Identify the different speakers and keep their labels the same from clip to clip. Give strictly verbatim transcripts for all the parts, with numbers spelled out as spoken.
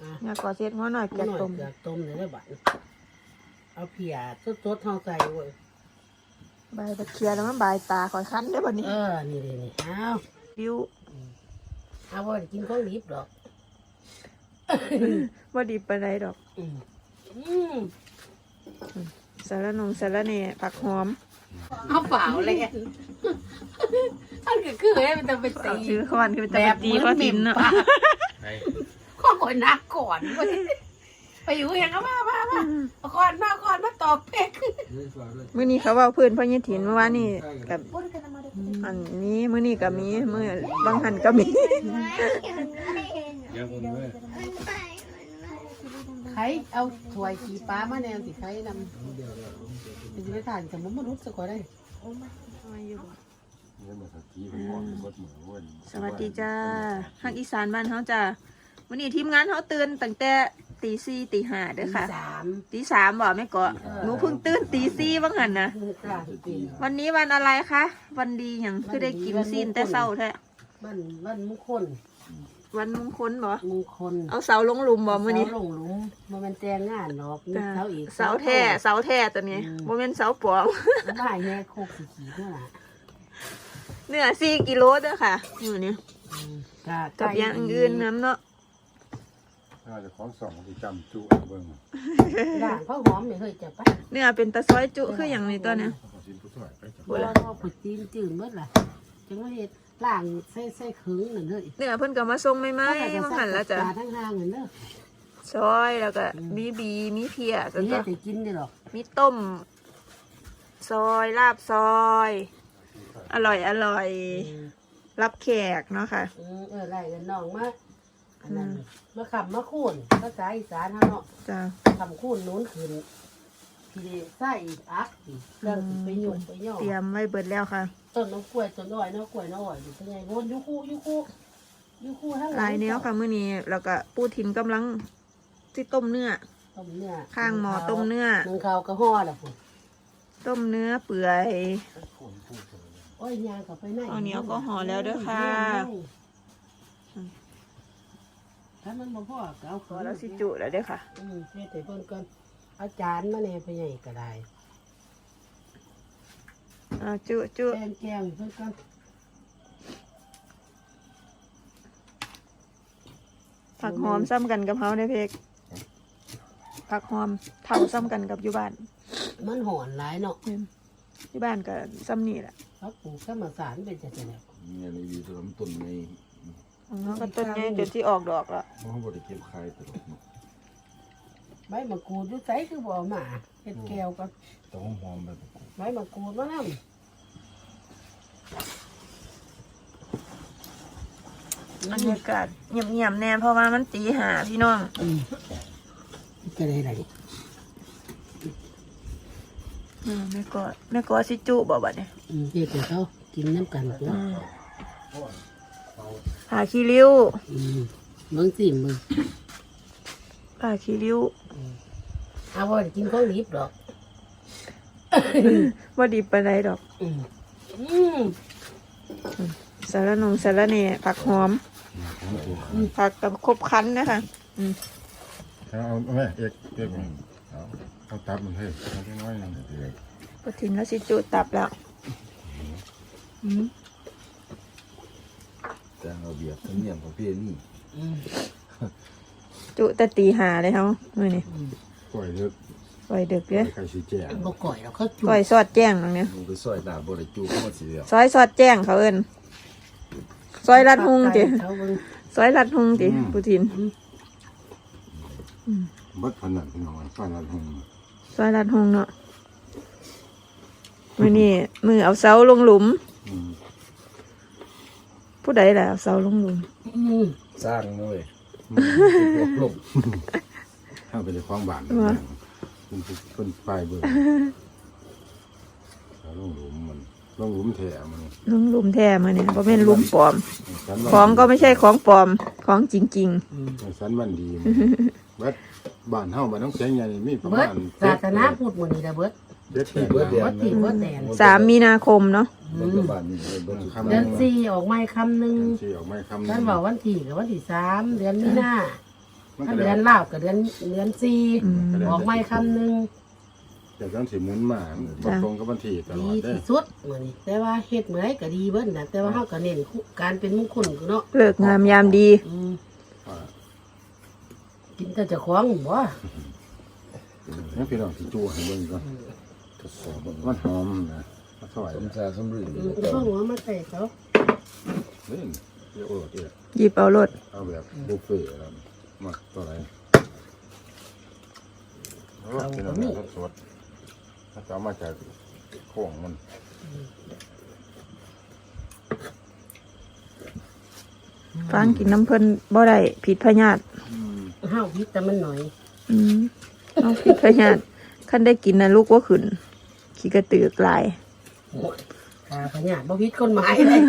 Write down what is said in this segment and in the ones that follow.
Speaker 1: เนี่ยก่อเซ็ตหัวหน่อยเกลือต้ม
Speaker 2: เกลือต้มเลยได้บัดเอาเพียสดๆเท่าใส่เว้ย
Speaker 1: ใบตะเคียนแล้วมันใบตาคอยคั้นได้บ่นี้
Speaker 2: เออนี่นี่นี่เอา
Speaker 1: ดิ้ว
Speaker 2: เอาว่ากินของดิบดอก
Speaker 1: ว่าดีปานใดดอก
Speaker 2: อืมอืม
Speaker 1: สารนงสารเน่ผักหอม
Speaker 2: เอาเปล่าเลยอันก็คือให้มันจะไปตี
Speaker 1: เอาชื่อเขาวันคือจะตีเขาทินเนาะ
Speaker 2: ข้อก่อนนักก่อนเว้ยไปอยู่อย่างก็มามามาเอาก่อนมาก่อนมาตอบเพก
Speaker 1: มื้อนี้เขาเว้าพื้นพ่อยี่ถินเมื่อวานนี่กับอันนี้มื้อนี้ก็มีมื้อบางหันก็มี
Speaker 2: ใครเอาถ้วยขี้ปลามาแนวสิใครนำเป็นไปทานแต่มันมนุษย์สักคนได้
Speaker 1: สวัสดีจ้าทางอีสานบ้านเฮาจ้ามื้อนี้ทีมงานเฮาตื่นตั้งแต่ตีสี่ตีห้าเด้อค่ะ
Speaker 2: สาม
Speaker 1: ตีสามบ่แม่เกาะหนูเพิ่งตื่นตีสี่บางหันนะ
Speaker 2: ค่ะจริง
Speaker 1: วันนี้วันอะไรคะวันดีหยังคือได้กินซีนแต่เช้าแท้
Speaker 2: บ้านบ้านมงคล
Speaker 1: วันมงคลบ่
Speaker 2: มงคล
Speaker 1: เอาเสาลงหลุมบ่มื้อนี้
Speaker 2: เสาลงหลุมมันเป็นแจงงานหรอกมี
Speaker 1: จ้า
Speaker 2: เสาอีก
Speaker 1: เสาแท้เสาแท้ตัวนี้บ่แม่นเสาปลอม
Speaker 2: บ้านแย่โคกสีขีดนั่นแหละ
Speaker 1: เนื้อสี่กิโลเด้อค่ะมื้อนี้
Speaker 2: อืม
Speaker 1: กับอย่างอื่นน้ำเนาะ
Speaker 3: ถ้าจะของสองที่จำจุเบิ่ง
Speaker 2: ด่างข้าวหอมไม่เคยจะไป
Speaker 1: เนื้อเป็นตะซอยจุคืออย่างนี้ตัวเนี้ย
Speaker 3: ขอสินผู้ช่วยไปจับ
Speaker 2: บัวก็ผุดตีนจืดเมื่อไหร่จังว่าเห็ดล่างใส่ใส่ขึงนั่นเลย
Speaker 1: เนื้อเพิ่นก็มาส่งใหม่ๆบางหันแล้วจ้ะ
Speaker 2: ทั้งห้างเงินเด้อ
Speaker 1: ซอยแล้วก็มีบีมีเพีย
Speaker 2: สิ
Speaker 1: แล้ว
Speaker 2: เฮ็
Speaker 1: ก็
Speaker 2: ดให้กินได้หรอก
Speaker 1: มีต้ม ซอยลาบซอย อร่อยอร่อยรับแขกเนาะค่ะ
Speaker 2: อืมเออไรกันน้องมาอันนั้นมาขำมาคูนภาษาอีสานเฮาเนาะ
Speaker 1: จ้ะ
Speaker 2: ขำคูนนู้นขึ้นทีนี้ใส่อีกอักอีกเรื่องสิไปหยุ่งไปย่อ
Speaker 1: เตรียมไว้เบิดแล้วค่ะ
Speaker 2: ต้นน้ำกล้วยต้นอ้อยน้ำกล้วยน้ำอ้อยอยู่เป็นไงโวนยูคู่ยูคู่ยูคู่ทั้ง
Speaker 1: หลายแนวค่ะมื้อนี้แล้วก็ปูทินกำลังที่ต้มเนื้อ
Speaker 2: ต้มเนื้อ
Speaker 1: ข้างหม้อต้มเนื้อ
Speaker 2: นึ่งข้าวกระห่อละพุ่น
Speaker 1: ต้มเนื้อเปื่อย
Speaker 2: โอ้ยยางกับไปไหน
Speaker 1: เอาเหนียวก็ห่อแล้วเด้อค่ะ
Speaker 2: ถ้ามันบ่พอก็เอา
Speaker 1: พอแล้วสิจุแล้วเด้อค่ะ
Speaker 2: อืมเฮ็ดให้เพิ่นก่อนเอาจานมาแหน่ไปใหญ่ก็ได้
Speaker 1: อ่าจุจุ
Speaker 2: แกงแกงเพิ่นก่อน
Speaker 1: ผักหอมซ้ำกันกับเฮาได้อเพกผักหอมเท่าซ้ำกันกับอยู่บ้าน
Speaker 2: มันหอนหลายเนาะ
Speaker 1: ที่บ้านก็ซ้ำนี่แหละ
Speaker 2: เขาปลูกธรรมศาสตร์เป็นจังได๋
Speaker 3: เนี่ยในวีต้นต้นใน
Speaker 1: ของเฮาก็ต้นใหญ่จนที่ออกดอกแล้ว
Speaker 3: เขาบ่ได้เก็บขายตลอดเนาะ
Speaker 2: ใบมะกรูดอยู่ไสคือบ่เอามาเฮ็ดแก้วก่อน
Speaker 3: ต้องหอมแบบ
Speaker 2: ใบมะกรูดมานำ
Speaker 1: บรรยากาศเงียบๆแน่เพราะว่ามันตีหาพี่น้อง
Speaker 2: อืมจะได้อะไร
Speaker 1: อืมแม่ก็แม่ก็สิจุบ่บัดเนี่ย
Speaker 2: อืมเฮ็ดให้เขากินน้ำกันตัว
Speaker 1: ผ่าขี้ริ้ว
Speaker 2: อืมเบิ่งสิมึง
Speaker 1: ผ่าขี้ริ้ว
Speaker 2: เอาบ่ได้กินของดิบดอก
Speaker 1: ว่าดีปานใดดอก
Speaker 2: อืมอืม
Speaker 1: สารนงสารเน่ผักหอมผักกับครบคั้นนะคะอืม
Speaker 3: เอาแม่เอกเอกเอาเอาตับมันให้เอาน้อยๆนึงเดี๋ยว
Speaker 1: พอถึงแล้วสิจุตับแล้วอืม
Speaker 4: แต่เอาเบียบเนียมของพี่นี่
Speaker 2: อืม
Speaker 1: จุแต่ตีหาเลยเฮามื้อนี้
Speaker 3: ปล่อยเลิก
Speaker 1: ปล่อยดึก
Speaker 3: ปล่
Speaker 1: เด้
Speaker 3: อ
Speaker 1: อย
Speaker 3: ไข่สีแจ่
Speaker 2: บ่ก่อยแล้วเขาจุ่
Speaker 1: ปล่อยซอดแจ้งตรงเนี้ย
Speaker 4: มึงไปซอยหน้าบริจูเข้ามาสิเดียว
Speaker 1: ซอยซอดแจ้งเขาเอิ้นซอยลัดหุงติ
Speaker 2: เขาเบิ่ง
Speaker 1: ซอยลัดหุงติผู้ทิน
Speaker 3: บัดพนันพี่น้องฟันละหง
Speaker 1: ซอยลัดหุงเนาะมื้อนี้มือเอาเสาลงหลุม
Speaker 3: อืม
Speaker 1: ผู้ใดล่ะเอาเสาลงหลุม
Speaker 2: อืม
Speaker 4: สร้างนะเว้ยลง
Speaker 3: ถ้าเป็นความหวานเป็นเป็นปลายเบิ่งแล้วลงหลุมมันลงหลุมแท้มัน
Speaker 1: ลงหลุมแท้มาเนี่ยบ่แม่นหลุมปลอม
Speaker 3: สัน
Speaker 1: ของก็ไม่ใช่ของปลอมของจริง
Speaker 3: สันวันดีบัดบ้านเฮาบ้านน้องแสงใหญ่มีประ
Speaker 2: เบิ
Speaker 3: มา
Speaker 2: ด
Speaker 3: ณ
Speaker 2: ศาสนาพุทธมื้อนี้ล่ะเบิด
Speaker 3: เจ็ดแปด
Speaker 4: เบิดเดือน
Speaker 2: เบิดที่เบิดแดน
Speaker 1: ๆสามมีนาคมเนาะ
Speaker 4: เบิดบ้านนี่เบิด
Speaker 2: เดือนสี่ออกไม้คำหนึง
Speaker 3: ที่ออกไม่คำ
Speaker 2: ท่านบอกวันที่กับวันที่สามเดือนมีนา
Speaker 3: มัน
Speaker 2: ถ้า
Speaker 3: ก็
Speaker 2: เดื
Speaker 3: ได้
Speaker 2: อนลาวกับเดือนเดือนสี่ออกไม่คำหนึ่ง
Speaker 3: แต่ต้องสิหมุนมาบ่ตรงกับวันที่ตล
Speaker 2: ดี
Speaker 3: อดเด้
Speaker 2: ที่สุดเหมือนแต่ว่าเฮ็ดเมื่อไรก็ดีเบิ้ลนะแต่ว่าเขาก็เน้นการเป็นมงคลเนาะ
Speaker 1: เลิกงามยามดี
Speaker 2: อืม
Speaker 3: ว่า
Speaker 2: กินแต่เจะคล้าของบ่
Speaker 3: ให้พี่น้องสิจูให้เบิ่งก่อนทดสอบเบิ่งมันหอมนะมันสวย
Speaker 4: สมชาสมรื่น
Speaker 2: อืมข้าวหัวมาใส่เขา
Speaker 3: เล่นเดี๋ยวโอ้เดี๋ยว
Speaker 1: หยิบเอารถ
Speaker 3: เอาแบบบุฟเฟ่ต์แล้วมาตัวไหนโอ้พี่น้องสดๆถ้าจะเอามาจากโค้งมัน
Speaker 1: ฟังกินน้ำเพิ่นบ่ได้ผิดพญาติ
Speaker 2: ห้าวพิษแต่มันหน่อย
Speaker 1: อืมเอาผิดพญาติคันได้กินนะลูกว่าขึ้นขี้กระตือกลาย
Speaker 2: ตาพญาติบ่พิษคนหมายเลย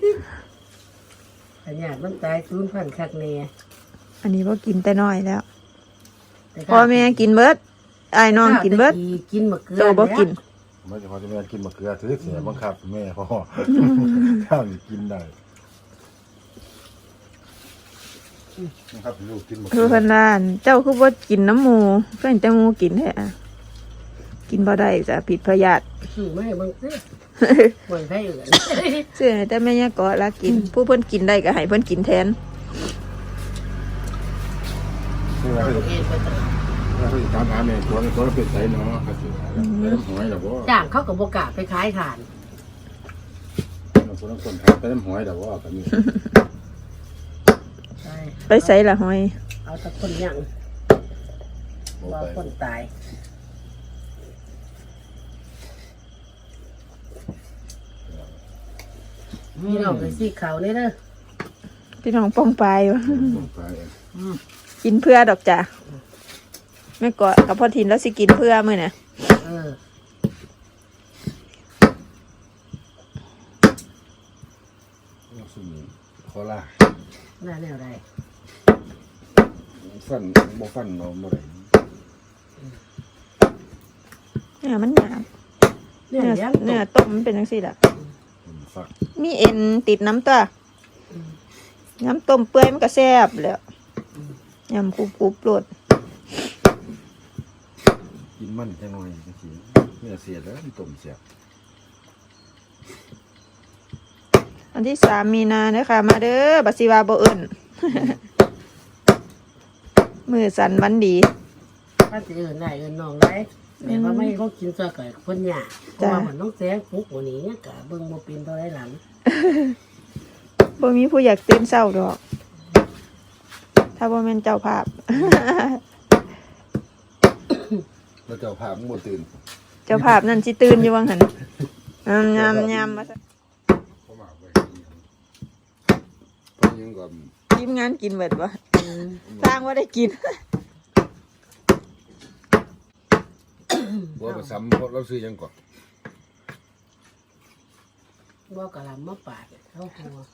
Speaker 2: พญาติมันตายสูญพันธุ์คักแน่
Speaker 1: อันนี้ว่ากินแต่น้อยแล้ว
Speaker 2: แต่
Speaker 1: พ่อแม่กินเบิดไอ้ายน้องกินเบิด
Speaker 2: กินมะเขือ
Speaker 1: โตบ่กิน
Speaker 3: ไม่ใช่พอจะแม่กินมะเขือถือเสียบังคับแม่พ่อข้าวกินได้นะครับลูกกินมะ
Speaker 1: คื
Speaker 3: เขื
Speaker 1: อเพิ่นว่าอั่นเจ้าคือบ่กินน้ำหมูเพิ่นแต่หมูกินแท้อะกินบ่ได้จ้ะผิดพญาติ
Speaker 2: ซื้อมาให้เบิ่งซิบ่ให้ไผเอื่น
Speaker 1: เสื้อแต่แม่ยาเกาะละกิน ผู้เพิ่นกินได้ก็ให้เพิ่นกินแทน
Speaker 3: คือว่า
Speaker 2: เอา
Speaker 3: เขา
Speaker 2: เองไปตลอด
Speaker 3: เขาจะตามหาแม่ตัวนี้ตัวเราเป็นไสเนาะเขาสิแล้วน้ำหอยดอกบ่
Speaker 2: จ้างเขาก็บ่กล้าไปขายทาน
Speaker 3: เราคนต้องคนทานแต่น้ำหอยดอกบ่กันนี่
Speaker 2: ใช่
Speaker 1: ไปใส่ละหอย
Speaker 2: เอาแต่คนยัง
Speaker 3: บ่
Speaker 2: ว่า
Speaker 3: ไป
Speaker 2: คนตายมีน้องไปซี่เขานี่เด้อ
Speaker 1: พี่น้องป้องปลายวะ
Speaker 3: บ่ไป
Speaker 1: กินเพื่อดอกจ้ะแม่เกาะกับพ่อทินแล้วสิกินเพื่อมื้อน่ะ
Speaker 2: เออ
Speaker 4: สุนีคอล่า
Speaker 2: น่าแนวใด
Speaker 4: ฟันบ่ฟันเนาะบ่ได้
Speaker 1: เนี่ยมันหยาบ
Speaker 2: เนื้อ
Speaker 1: เนื้อ
Speaker 2: เลี้ยง
Speaker 1: เนื้อต้มมันเป็นจังซี่ล่ะ
Speaker 4: มันฟัก
Speaker 1: มีเอ็นติดน้ำตัวน้ำต้มเปื่อยมันก็แซ่บแหล้วยำกรุบกรุบโลด
Speaker 4: กินมันจังหน่อยจังซี่เนื้อเสียแล้วมันต้มเสีย
Speaker 1: วันที่สามมีนาเด้อค่ะ มาเด้อบัดสิว่าบ่เอิ้น มือสั่นวันดี
Speaker 2: ถ้าจะเอินได้เอินน้องได้แต่ว่าไม่เขากินซะก่อนคนหยาเพราะว่ามันต้องแซงปุ๊กวันนี้เนี่ยกะเบิ่งบ่เป็นเท่าไรหลัง
Speaker 1: บ่มีผู้อยากตื่นเช้าดอก ถ้าบ่แม่นเจ้าภาพ
Speaker 4: แล้วเจ้าภาพมันบ่ตื่น
Speaker 1: เจ้าภาพนั่นสิตื่นอยู่วังหั่นยำยำยำมาซะ
Speaker 3: เขามาไป
Speaker 4: เพราะยังก็
Speaker 1: ทีมงานกินเบิดบ่สร้างว่าได้กิน
Speaker 4: บ่ก็ซ้ำเพราะเราซื้อหยังก่อน
Speaker 2: ว่ากะลำมาปาดเข้าหัว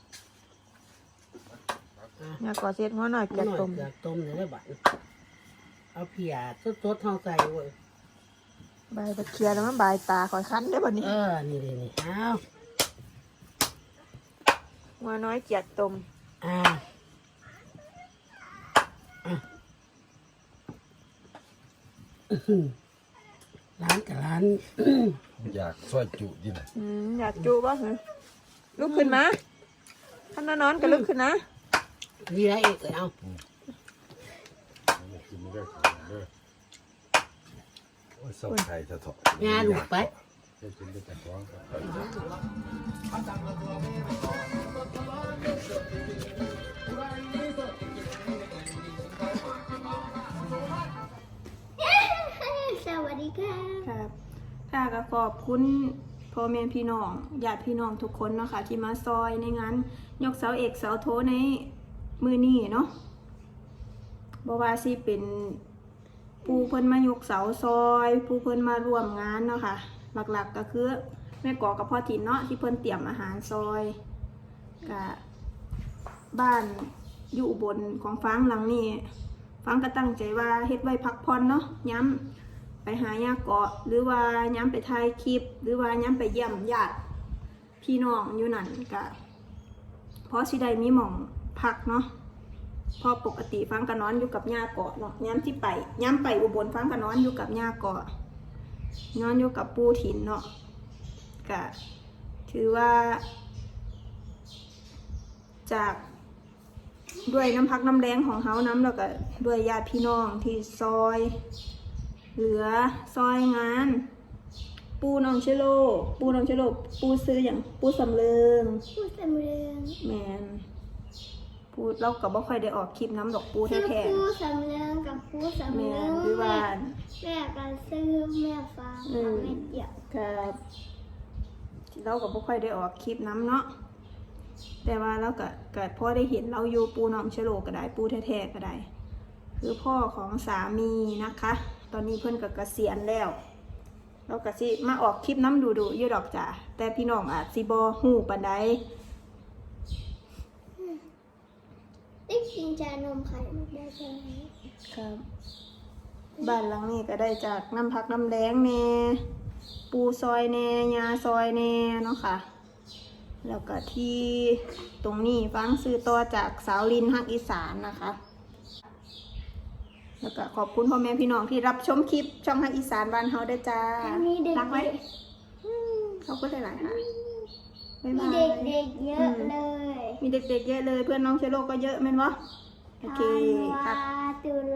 Speaker 1: อยากกอเซ็ดหัวหน่อย
Speaker 2: ต้
Speaker 1: แกะ
Speaker 2: ม
Speaker 1: ต้ม
Speaker 2: อยากต้มเลยได้บัดเอาเพียสดๆเท่าใส่เว้ย
Speaker 1: ใบตะเคียนแล้วมันบายตาคอยคันได้บ่นี่
Speaker 2: เออนี่นี่นี่เอา
Speaker 1: หัวน้อยเกียดต้ม
Speaker 2: อ่าร้านกับร้าน
Speaker 4: อยากซอยจุดิน่ะ
Speaker 1: อืมอยากจูบ่เหรอลุกขึ้นมาท่านนอนก็ลุกขึ้นนะ
Speaker 2: นี่ละเอกเอา
Speaker 3: กินไม่ได้เด้อ
Speaker 4: โอ้ยเศร้าไทยซะเถาะ
Speaker 2: งานลูกไป
Speaker 3: ได้กินได้แต่ท้องครับ
Speaker 5: สวัสดีค่ะ
Speaker 1: ครับค่ะก็ขอบคุณพ่อแม่พี่น้องญาติพี่น้องทุกคนเนาะค่ะที่มาซอยในงานยกเสาเอกเสาโทในมือนี้เนาะบ่ว่าสิเป็นปูเพิ่นมายกเสาซอยปูเพิ่นมาร่วมงานเนาะค่ะหลักๆก็คือแม่กอกับพ่อถิ่นเนาะที่เพิ่นเตรียมอาหารซอยกับบ้านอยู่อุบนของฟางหลังนี้ฟางก็ตั้งใจว่าเฮ็ดไว้พักผ่อนเนาะย้ำไปหายาเกาะหรือว่าย้ำไปถ่ายคลิป หรือว่าย้ำไปเยี่ยมญาติพี่น้องอยู่นั่นก็เพราะสิได้มีหม่องพักเนาะเพราะปกติฟังก็นอนอยู่กับย่าเกาะเนาะย้ำที่ไปย้ำไปอุบลฟังก็นอนอยู่กับย่าเกาะนอนอยู่กับปู่ถิ่นเนาะก็ถือว่า จากด้วยน้ำพักน้ำแรงของเขาน้ำแล้วก็ด้วยญาติพี่น้องที่ซอย เหลือซอยงาน ปูน้องเชโล ปูน้องเชโล ปูซื้ออย่างปูสำเริง
Speaker 5: ผู้สำเร็จ
Speaker 1: แมนปูเราก็บ่ค่อยได้ออกคลิปน้ำดอกปู
Speaker 5: คือ
Speaker 1: แท้
Speaker 5: ผู้สำเร็จกับผู้
Speaker 1: ๆ
Speaker 5: สำ
Speaker 1: แม
Speaker 5: เร็
Speaker 1: น
Speaker 5: จ
Speaker 1: คือว่า
Speaker 5: แม่กันซื้อแม่ฟังกับแม่เจียบ
Speaker 1: กับเราก็บ่ค่อยได้ออกคลิปน้ำเนาะแต่ว่าเราก็เกิดพ่อได้เห็นเราอยู่ปูน้องเชโลก็ได้ปูแท้ๆก็ได้ คือพ่อของสามีนะคะ ตอนนี้เพิ่นก็เกษียณแล้วเราก็สิมาออกคลิปน้ำดูดูอยู่ดอกจ้ะแต่พี่น้องอาจสิบ่ฮู้ปานใด
Speaker 5: ได้กินชานมไข่มุกได้ใช่ไหม
Speaker 1: ครับบ้านหลังนี้ก็ได้จากน้ำพักน้ำแรงแน่ปูซอยแน่ยาซอยแน่เนาะค่ะ แล้วก็ที่ตรงนี้ฟังซื้อต่อจากสาวลินฮักอีสานนะคะ แล้วก็ขอบคุณพ่อแม่พี่น้องที่รับชมคลิปช่องฮักอีสานบ้านเฮาได้วยจ้า
Speaker 5: มีเด็ก
Speaker 1: รักไว้เขาก็ได้หลายค่ะบ๊าย
Speaker 5: มี
Speaker 1: บาย
Speaker 5: เด็กเด็กๆเยอะเลย
Speaker 1: มีเด็กๆเยอะเลยเพื่อนน้องเชโลก็เยอะแม่นวะโอเค
Speaker 5: ธัน
Speaker 1: ครับ
Speaker 5: วาตุ